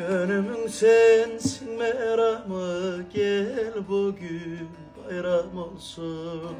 Gönlümün sensin meramı, gel bugün bayram olsun.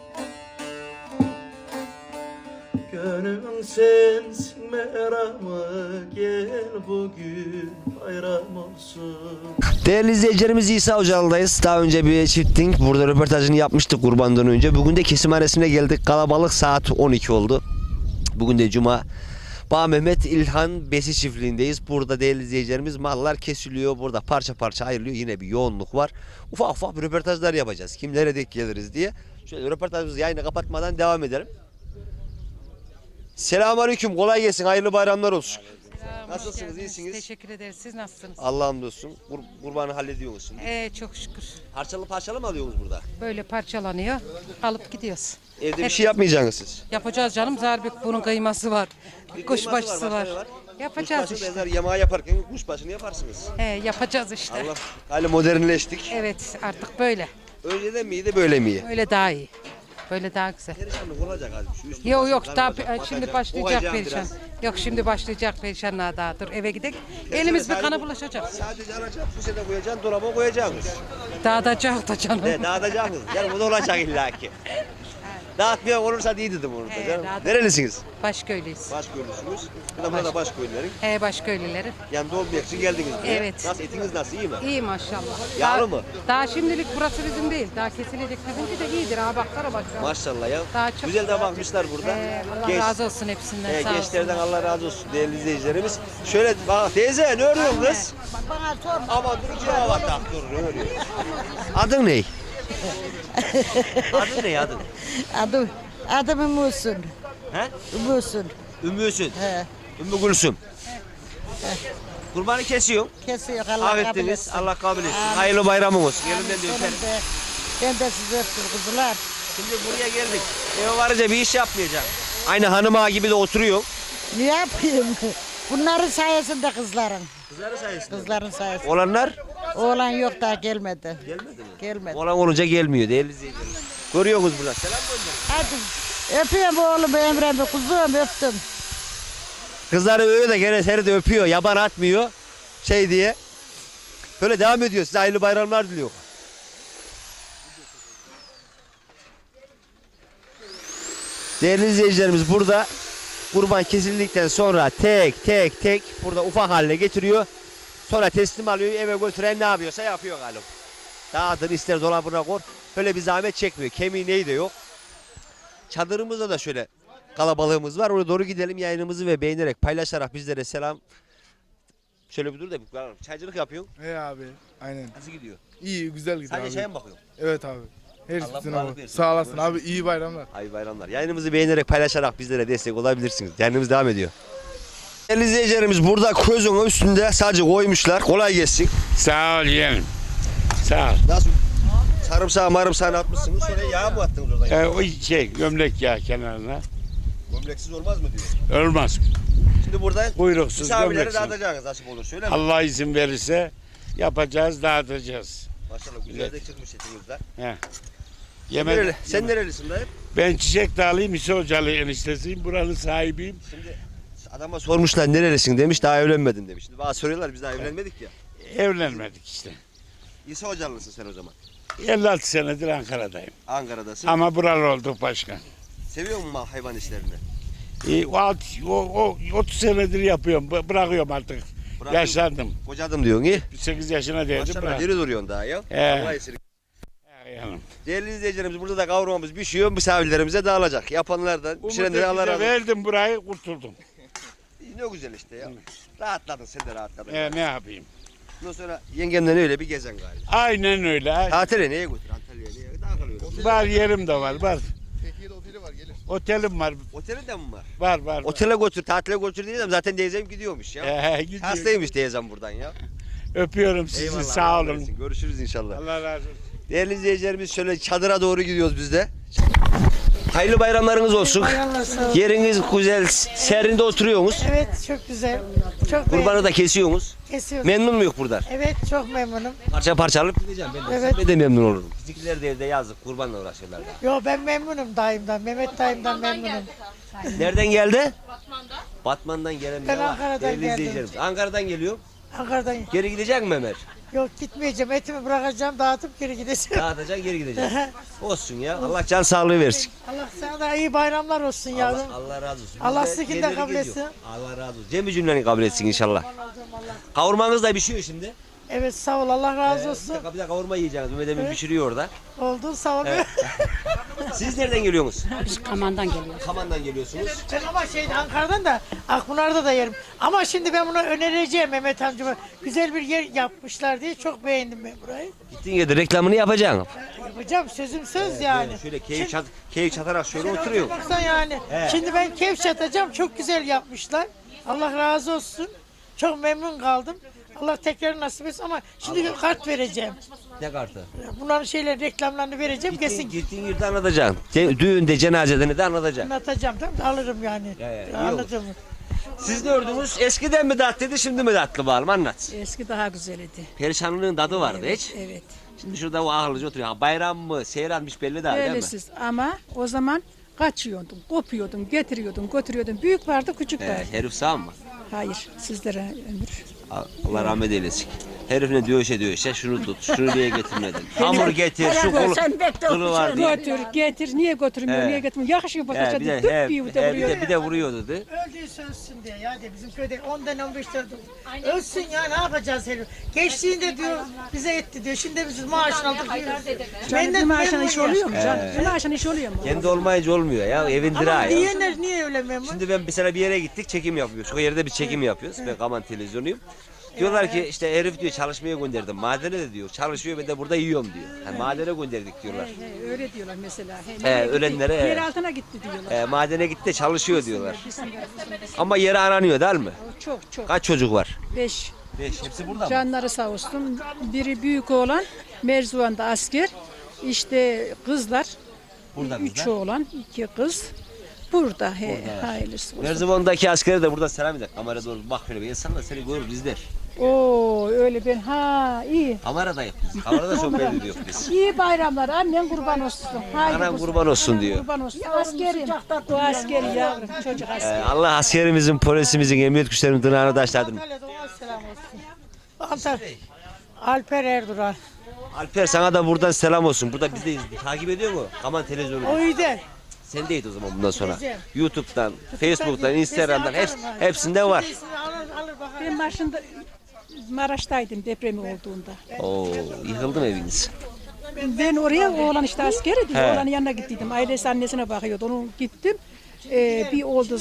Gönlümün sensin meramı, gel bugün bayram olsun. Değerli izleyicilerimiz, İsa Hocalı'dayız. Daha önce bir çifting burada röportajını yapmıştık kurbandan önce. Bugün de kesimhanesine geldik. Kalabalık, saat 12 oldu. Bugün de Cuma. Bağ Mehmet İlhan Besi çiftliğindeyiz. Burada değerli izleyicilerimiz mallar kesiliyor. Burada parça parça ayrılıyor. Yine bir yoğunluk var. Ufak ufak bir röportajlar yapacağız. Kimlere denk geliriz diye. Şöyle röportajımızı yayını kapatmadan devam edelim. Selamünaleyküm. Kolay gelsin. Hayırlı bayramlar olsun. Selam, Nasılsınız? İyisiniz? Teşekkür ederiz. Siz nasılsınız? Allah'a hamdolsun. Kurbanı hallediyorsunuz şimdi. Çok şükür. Parçalı mı alıyorsunuz burada? Böyle parçalanıyor. Alıp gidiyoruz. Evde bir şey yapmayacaksınız siz. Yapacağız canım. Zarbük bunun kıyması var. Kuşbaşısı var. başka ne Yapacağız Kuşbaşı işte. benzer yemeği yaparken kuşbaşını yaparsınız. Yapacağız işte. Allah. Hali modernleştik. Evet, artık böyle. Önceden miydi böyle mi? Böyle daha iyi. Böyle daha güzel. Perişanlık olacak abi. Şu üstü Yok başı yok daha daralacak, şimdi batacak, başlayacak kokacak perişan. biraz. Yok şimdi başlayacak perişanlığa daha. Dur eve gidelim. Elimiz bir kana bulaşacak. Sadece alacak, fuşede koyacaksın, dolaba koyacaksınız. Dağıtacak da canım. Ne, dağıtacaksınız. Yani bu da olacak illaki. Dağıtmayan olursa iyi dedim onu da canım. dağıt- Nerelisiniz? Başköylüyüz. Başköylüsünüz. Burada Başköylülerin. Başköylüleri. Yanında olmayak için geldiniz buraya. Evet. Nasıl, etiniz nasıl, iyi mi? İyi maşallah. Yağlı Daha- mı? Daha şimdilik burası bizim değil. Daha kesilecek bizimki de iyidir. Ha baksana bak. Maşallah ya. Daha çok- Güzel de bakmışlar burada. Allah razı olsun hepsinden. Sağ Gençlerden olsunlar. Allah razı olsun değerli izleyicilerimiz. Şöyle bak teyze, ne örüyorsun kız? Bana sorma. Aman dur, iki hava tak dur, ne örüyorsun? Adın ne? Adın ne adın? Adım Ümmüsün. He? Ümmüsün. Ümmüsün. He. Ümmü Gülsüm. Kurbanı kesiyor. Kesiyor Allah kabul Affettiniz. etsin. Allah kabul etsin. Amin. Hayırlı bayramın olsun. Elimden de öperim. Ben de sizi öptüm kuzular. Şimdi buraya geldik. Eve varınca bir iş yapmayacak. Aynı hanım ağa gibi de oturuyor. Ne yapayım? Bunların sayesinde kızların. Kızları sayesinde. Kızların sayesinde. Olanlar Oğlan yok daha gelmedi. gelmedi mi? Gelmedi. Olan olunca gelmiyor değerli izleyiciler. Görüyorsunuz burada. Selam gönderin. Hadi. Öpüyorum oğlumu Emre'mi kuzum öptüm. Kızları öyle de gene seni de öpüyor. Yaban atmıyor. Şey diye. Böyle devam ediyor. Size hayırlı bayramlar diliyor. Değerli izleyicilerimiz, burada kurban kesildikten sonra tek tek burada ufak haline getiriyor. Sonra teslim alıyor, eve götüren ne yapıyorsa yapıyor galiba. Dağıtın, ister dolabına koy. Böyle bir zahmet çekmiyor. Kemiği neyi de yok. Çadırımızda da şöyle kalabalığımız var. Oraya doğru gidelim, yayınımızı ve beğenerek paylaşarak bizlere selam. Şöyle bir dur da bir çaycılık yapıyorsun. He abi, aynen. Nasıl gidiyor? İyi, güzel gidiyor Sadece abi. çaya mı bakıyorsun? Evet abi. Her Allah üstüne sağlık abi. versin. Sağ olasın Görüşürüz. abi, iyi bayramlar. Hayırlı bayramlar. Yayınımızı beğenerek paylaşarak bizlere destek olabilirsiniz. Yayınımız devam ediyor. Değerli izleyicilerimiz, burada közün üstünde sadece koymuşlar. Kolay gelsin. Sağ ol yeğenim. Sağ ol. Nasıl? Sarımsağı marımsağını atmışsınız. Sonra yağ mı attınız oradan? O gömlek yağı kenarına. Gömleksiz olmaz mı diyor. Olmaz. Şimdi buradan Kuyruksuz, misafirlere gömleksiz. dağıtacaksınız nasip olur. Söyle mi? Allah izin verirse yapacağız, dağıtacağız. Maşallah güzel de çıkmış etinizden. Yemek. Sen nerelisin dayı? Ben Çiçek Dağlı'yım, İsa Hocalı eniştesiyim. Buranın sahibiyim. Şimdi adama sormuşlar nerelisin demiş, daha evlenmedin demiş. Şimdi bana soruyorlar, biz daha evlenmedik ya. Evlenmedik işte. İsa Hocalısın sen o zaman. 56 senedir Ankara'dayım. Ankara'dasın. Ama buralı olduk başkan. Seviyor musun hayvan işlerini? O 30 senedir yapıyorum. Bırakıyorum artık. Bırakıyorum. Yaşlandım. Kocadım diyorsun iyi. 8 yaşına değdim. Maşallah Bırak. diri duruyorsun daha ya. He. Allah esirgesin. Yanım. Değerli izleyicilerimiz, burada da kavurmamız pişiyor. Misafirlerimize dağılacak. Yapanlardan, pişirenlere Allah razı olsun. Verdim burayı, kurtuldum. Ne güzel işte ya. Rahatladın, sen de rahatladın. Ne yapayım? Ondan sonra yengemden öyle bir gezen galiba. Aynen öyle. Tatile neye götür? Antalya'ya neye? Daha kalıyoruz. Var yerim de var. Otelim var. Otelde mi var? Var. Otele götür, tatile götür diyeceğim. Zaten teyzem gidiyormuş ya. Gidiyor. Hastaymış teyzem buradan ya. Öpüyorum sizi, Eyvallah, sağ Allah olun. versin. Görüşürüz inşallah. Allah razı olsun. Değerli izleyicilerimiz, şöyle çadıra doğru gidiyoruz biz de. Hayırlı bayramlarınız olsun. Yeriniz güzel, serinde oturuyorsunuz. Evet çok güzel. Çok Kurbanı da kesiyorsunuz. kesiyoruz. Memnun muyuz buradan? Evet çok memnunum. Parça parça alıp gideceğim ben de. Evet. Ben de memnun olurum. Bizimkiler de evde yazık, kurbanla uğraşıyorlar da. Yo ben memnunum dayımdan. Mehmet dayımdan memnunum. Nereden geldi? Batman'dan gelen Ben biri var. Ankara'dan Değerli geldim. izleyicilerimiz. Ankara'dan geliyor. Ankara'dan. Geri gidecek mi Ömer? Yok gitmeyeceğim. Etimi bırakacağım, dağıtıp geri gideceğim. Dağıtacaksın geri gideceksin. Olsun ya. Allah can sağlığı versin. Allah sana da iyi bayramlar olsun yavrum. Allah razı olsun. Allah Biz de sizinkini de yerleri kabul geziyor. etsin. Allah razı olsun. Cem'i cümleni kabul etsin inşallah. Kavurmanız da pişiyor şimdi. Evet sağ ol, Allah razı olsun. Bir de kavurma yiyeceğiniz. Mehmet Emin pişiriyor orada. Oldu sağ ol. Siz nereden geliyorsunuz? Biz Kaman'dan geliyoruz. Kaman'dan geliyorsunuz. Ben ama Ankara'dan da Akpınar'da da yerim. Ama şimdi ben bunu önereceğim Mehmet amcama. Güzel bir yer yapmışlar diye çok beğendim ben burayı. Gittiğin yerde reklamını yapacaksın. Yapacağım sözüm söz yani. Şöyle keyif çatarak şöyle oturuyor. Baksan yani. Şimdi ben keyif çatacağım. Çok güzel yapmışlar. Allah razı olsun. Çok memnun kaldım. Allah tekrar nasip etsin ama şimdi kart vereceğim. Ne kartı? Bunların şeyler reklamlarını vereceğim. Kesin Gittiğin yerde anlatacaksın. Düğünde, cenazede de anlatacaksın. anlatacağım. Tamam mı? Alırım yani. iyi Anladım. Siz ne ördünüz? Eskiden mi tatlıydı, şimdi mi tatlı bağlım? Anlat. Eski daha güzeldi. Perişanlığın tadı vardı hiç. Evet. Şimdi şurada o ahırlıcı oturuyor. Ha, bayram mı, seyranmış belli değil, değil mi? Öylesiz ama o zaman kaçıyordun, kopuyordun, getiriyordun, götürüyordun. Büyük vardı, küçük vardı. Herif sağ mı? Hayır, sizlere ömür. Allah rahmet eylesin. Herif ne dövüşe şunu tut, şunu niye getirmedin? Hamur getir, şu kılı var diye. Götür, getir, niye götürmüyor, He. niye getirmiyor? Yakışıyor bak He, aşağıda, bir de, tık bir de vuruyor. bir de vuruyordu. Öldüğü sözsün diye ya de bizim köyde 10'dan 15 tane ölsün ya ne yapacağız herif. Geçtiğinde diyor bize etti diyor. Şimdi biz maaşını aldık diyoruz. Canım bir maaşın işi oluyor mu canım? Bir maaşın işi oluyor mu? Kendi olmayınca olmuyor ya, evindir ha Ama ya. diyenler niye öyle memnun? Şimdi ben mesela bir yere gittik, çekim yapıyoruz. O yerde bir çekim yapıyoruz. Ben Kaman televizyonuyum. Diyorlar ki işte herif diyor çalışmaya gönderdim. Madene de diyor çalışıyor, ben de burada yiyorum diyor. Yani madene gönderdik diyorlar. Öyle diyorlar mesela. Ölenlere, Yer altına gitti diyorlar. Madene gitti de çalışıyor diyorlar. Ama yeri aranıyor değil mi? Çok çok. Kaç çocuk var? 5. 5. Hepsi burada mı? Canları sağ olsun. Biri büyük oğlan, Merzuvan'da asker. İşte kızlar. Burada 3 kızlar. oğlan, 2 kız. Burada hayırlısı olsun. Merzifon'daki askere de burada selam eder. Kamera doğru bak şöyle bir insan da seni görür izler. Oo öyle ben iyi. Kameradayız biz. Kamerada sohbet ediyoruz biz. İyi bayramlar. Annen kurban olsun. Haydi Anam kuzum. kurban olsun diyor. Kurban olsun. Askerim. Bu askeri yavrum. Çocuk askeri. Allah askerimizin, polisimizin, emniyet güçlerinin tırnağını taşladın. Antalya'da ona selam olsun. Alper Erduran. Alper sana da buradan selam olsun. Burada bizdeyiz. Takip ediyor mu? Kaman televizyonu. O iyi de. Sen değil o zaman bundan sonra. Edeceğim. YouTube'dan, Facebook'tan, Instagram'dan hepsinde var. Alır bakalım. Ben başında Maraş'taydım depremi olduğunda. Oo, yıkıldı mı eviniz? Ben oraya oğlan işte askeri diye He. oğlanın yanına gittiydim. Ailesi annesine bakıyordu. Onu gittim. Bir oldu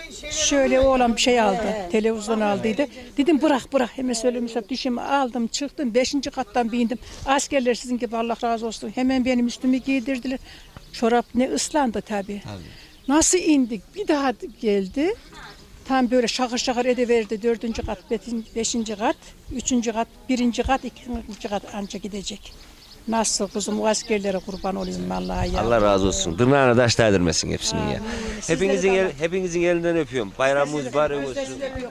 şöyle oğlan bir şey aldı. Televizyon aldıydı. Dedim bırak hemen söylemişler. Düşümü aldım çıktım. 5. kattan bindim. Askerler sizin gibi Allah razı olsun. Hemen benim üstümü giydirdiler. Çorap ne ıslandı tabii. Nasıl indik? Bir daha geldi. Tam böyle şakır şakır ediverdi. 4. kat, 5. kat, 3. kat, 1. kat, 2. kat anca gidecek. Nasıl kızım o askerlere kurban olayım vallahi ya. Allah razı olsun. Tırnağına taş değdirmesin hepsinin ya. Hepinizin elinden öpüyorum. Bayramınız mübarek olsun.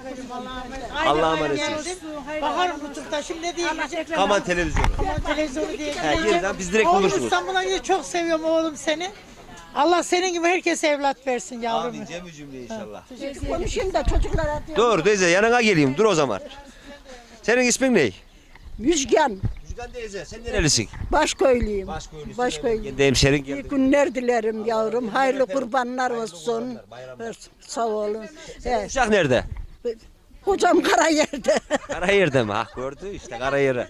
Allah'a emanetsiniz. Bakarım YouTube'da şimdi ne diyecek? Kaman televizyonu. Televizyonu diye. Geriden biz direkt Oğlum bulursunuz. İstanbul'a gidiyor. Çok seviyorum oğlum seni. Allah senin gibi herkese evlat versin yavrum. Amin cemi cümle inşallah. Konuşayım da çocuklara diyorum. Dur teyze yanına geleyim. Dur o zaman. Senin ismin ne? Müjgan, Müjgan teyze sen nerelisin? Başköylüyüm. Başköylüsün. Başköylü. Kendi hemşerin İyi geldi. günler dilerim yavrum. Hayırlı kurbanlar olsun. Sağ olun. Uşak nerede? Kocam Karayer'de. Karayer'de mi? Ha gördü işte Karayer'e.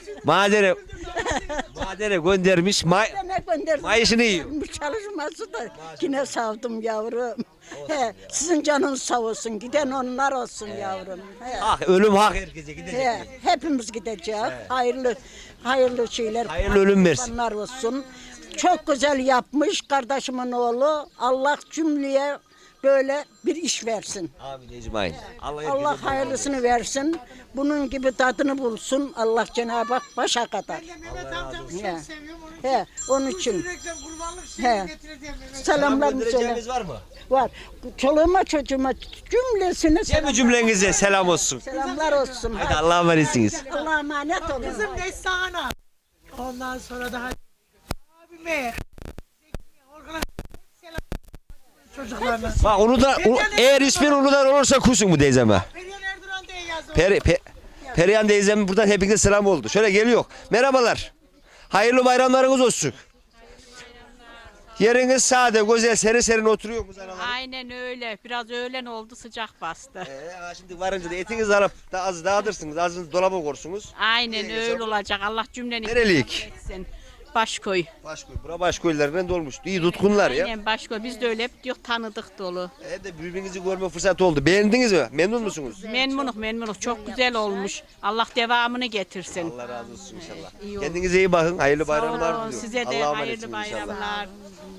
Madere göndermiş. Ne gönderdim? Mayışını yiyor. Çalışması da yine savdım yavrum. Sizin canınız sağ olsun. Giden onlar olsun yavrum. Ah ölüm hak herkese gidecek. Hepimiz gideceğiz. Hayırlı şeyler. Hayırlı ölüm versin. Kurbanlar olsun. Çok güzel yapmış kardeşimin oğlu. Allah cümleye böyle bir iş versin. Amin ecmaîn. Allah hayırlısını versin. Bunun gibi tadını bulsun. Allah Cenab-ı Hak başa kadar. Mehmet amcamı çok Ya. seviyorum. Onun için. Sürekli kurbanlık He. şeyi getirir diye Mehmet. Selamlarımı söyle. Göndereceğimiz var mı? Var. Çoluğuma çocuğuma cümlesine Cemi cümlenize selam olsun. selamlar olsun. Hadi Allah'a emanetsiniz. Allah'a emanet olun. Kızım Neslihan'a. Ondan sonra daha abime. Orhan'a selam çocuklarına. Bak onu da eğer ismin Uludağ olursa kusun bu teyzeme. Perihan Erduran diye yazdı. Perihan teyzemin buradan hepinize selam oldu. Şöyle geliyor. Merhabalar. Hayırlı bayramlarınız olsun. Yeriniz sade, güzel, serin serin oturuyor mu analar? Aynen öyle. Biraz öğlen oldu sıcak bastı. Şimdi varınca da etinizi alıp da az dağıtırsınız, azınızı dolaba korsunuz. Aynen öyle olacak. Allah cümleni Nereliyik? etsin. Başkoy. Başkoy. Bura başkoylarından dolmuş. İyi tutkunlar ya. Aynen Başkoy. Biz de öyle hep diyor tanıdık dolu. De birbirinizi görme fırsatı oldu. Beğendiniz mi? Memnun musunuz? Memnunuk. Çok güzel olmuş. Allah devamını getirsin. Allah razı olsun inşallah. İyi oldu. Kendinize iyi bakın. Hayırlı Sağ olun. bayramlar diliyorum. Size de Allah'a hayırlı emanetsiniz inşallah. bayramlar.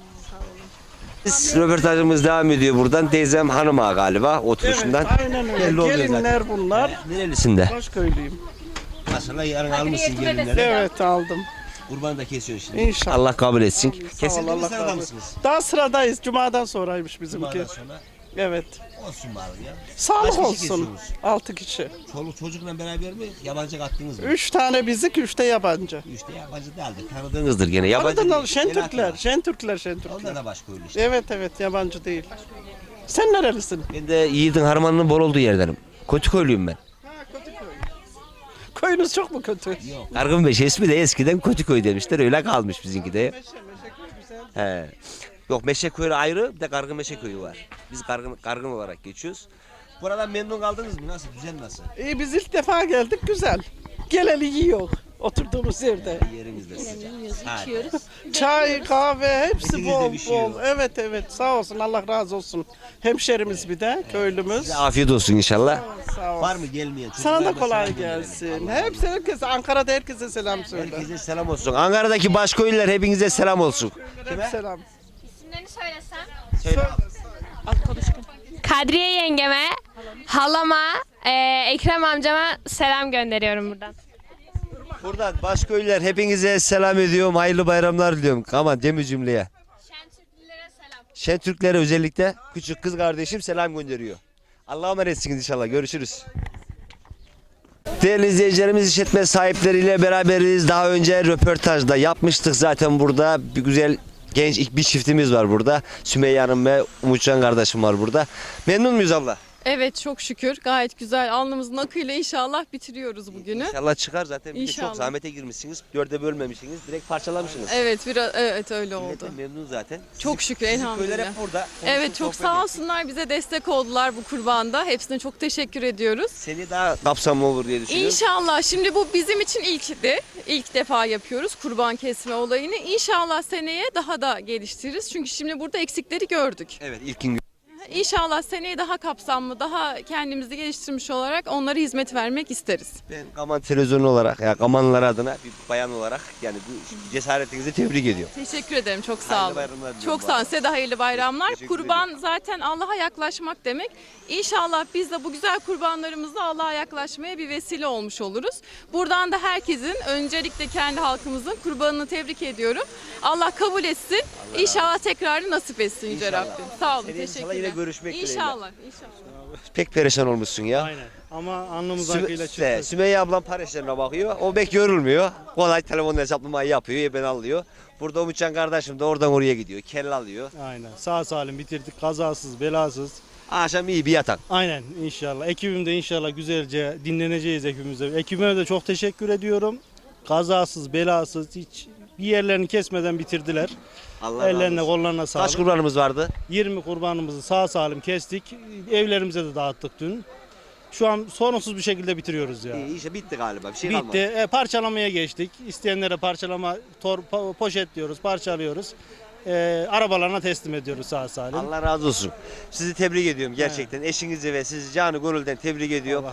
Biz röportajımız devam ediyor buradan. Teyzem hanıma galiba oturuşundan. Aynen öyle. Belli oluyor Gelinler bunlar. Nerelisinde? Başköylüyüm. Aslında yarın almışsın gelinleri. Evet aldım. Kurbanı da kesiyorsun şimdi. İnşallah. Allah kabul etsin. Sağ ol, Kesildi mi Allah sırada razı mısınız? olsun. Daha sıradayız. Cuma'dan sonraymış bizimki. Cumadan sonra Evet. olsun bari ya. Sağlık Kaç kişi olsun. kesiyorsunuz? 6 kişi. Çoluk çocukla beraber mi? Yabancı kattınız mı? 3 tane bizik, 3 de yabancı. İşte yabancı değildir. Tanıdığınızdır gene. Yabancı Anadolu değil. Şentürkler, Onlar Şentürkler. da başka öyle işte. Evet, yabancı değil. Sen nerelisin? Ben de Yiğit'in harmanının bol olduğu yerdenim. Kötüköylüyüm ben. Köyünüz çok mu kötü? Kargınbeşe ismi de eskiden Kötüköy demişler. Öyle kalmış bizimki de. He. Yok Meşeköy ayrı, bir de Kargınmeşe köyü var. Biz kargın olarak geçiyoruz. Buradan memnun kaldınız mı? Nasıl? Düzen nasıl? İyi biz ilk defa geldik, güzel. Geleli yiyor oturduğumuz yerde. Yerimizde sıcak. Çay, kahve hepsi Etinizde bol pişiyor. bol. Evet sağ olsun, Allah razı olsun. Hemşerimiz bir de, köylümüz. Size afiyet olsun inşallah. Sağ ol. Var mı gelmeyen? Sana da Çocuklarına kolay selam gönderelim. gelsin. Allah Herkese, Ankara'da herkese selam söyle. Herkese selam olsun. Ankara'daki başköylüler hepinize selam olsun. Hep selam. İsimlerini söylesem. Söyle. Kadriye yengeme, halama, Ekrem amcama selam gönderiyorum buradan. Buradan başköylüler hepinize selam ediyorum. Hayırlı bayramlar diliyorum. Aman Cemil cümleye. Şentürklülere selam. Şentürklere özellikle küçük kız kardeşim selam gönderiyor. Allah'a emanetsiniz inşallah. Görüşürüz. Değerli izleyicilerimiz, işletme sahipleriyle beraberiz. Daha önce röportajda yapmıştık zaten burada. Bir güzel genç bir çiftimiz var burada. Sümeyye Hanım ve Umutcan kardeşim var burada. Memnun muyuz abla? Evet çok şükür gayet güzel alnımızın akıyla inşallah bitiriyoruz bugünü. İnşallah çıkar zaten. Bir de İnşallah. çok zahmete girmişsiniz. Dörde bölmemişsiniz. Direkt parçalamışsınız. Evet biraz evet öyle Millet de oldu. memnun zaten. Çok şükür Köyler elhamdülillah. hep burada. Evet Konuştuk, çok sohbet sağ ettik. olsunlar bize destek oldular bu kurbanda. Hepsine çok teşekkür ediyoruz. Seni daha kapsamlı olur diye düşünüyorum. İnşallah şimdi bu bizim için ilkti. İlk defa yapıyoruz kurban kesme olayını. İnşallah seneye daha da geliştiririz. Çünkü şimdi burada eksikleri gördük. Evet ilkin İnşallah seneye daha kapsamlı, daha kendimizi geliştirmiş olarak onlara hizmet vermek isteriz. ben Kaman televizyonu olarak ya Kamanlılar adına bir bayan olarak yani bu cesaretinizi tebrik ediyorum. Teşekkür ederim. Çok sağ Hayırlı olun. bayramlar diliyorum Çok sağ olun. bana. Size de hayırlı bayramlar. Teşekkür Kurban zaten Allah'a yaklaşmak demek. İnşallah biz de bu güzel kurbanlarımızla Allah'a yaklaşmaya bir vesile olmuş oluruz. Buradan da herkesin öncelikle kendi halkımızın kurbanını tebrik ediyorum. Allah kabul etsin. İnşallah tekrarı nasip etsin Yüce İnşallah. Rabbim. Sağ olun. Seneye inşallah Teşekkürler. yine görüşmek dileğiyle. İnşallah. Pek perişan olmuşsun ya. Aynen. Ama alnımız akıyla çıktı. Sümeyye ablam para işlerine bakıyor. O pek yorulmuyor. Kolay telefonla hesaplamayı yapıyor. Ben alıyor. Burada Umutcan kardeşim de oradan oraya gidiyor. Kelle alıyor. Aynen. Sağ salim bitirdik. Kazasız, belasız. Akşam iyi bir yatak. Aynen inşallah. Ekibimde inşallah güzelce dinleneceğiz ekibimizde. Ekibime de çok teşekkür ediyorum. Kazasız, belasız hiç bir yerlerini kesmeden bitirdiler. Allah Ellerine razı olsun. kollarına Kaç sağlık. kurbanımız vardı? 20 kurbanımızı sağ salim kestik. Evlerimize de dağıttık dün. Şu an sorunsuz bir şekilde bitiriyoruz ya. İyi işte bitti galiba. Bir şey kalmadı. Bitti. Parçalamaya geçtik. İsteyenlere parçalama, poşet diyoruz, parçalıyoruz. Arabalarına teslim ediyoruz sağ salim. Allah razı olsun. Sizi tebrik ediyorum gerçekten. Eşinizi ve sizi canı gönülden tebrik ediyorum.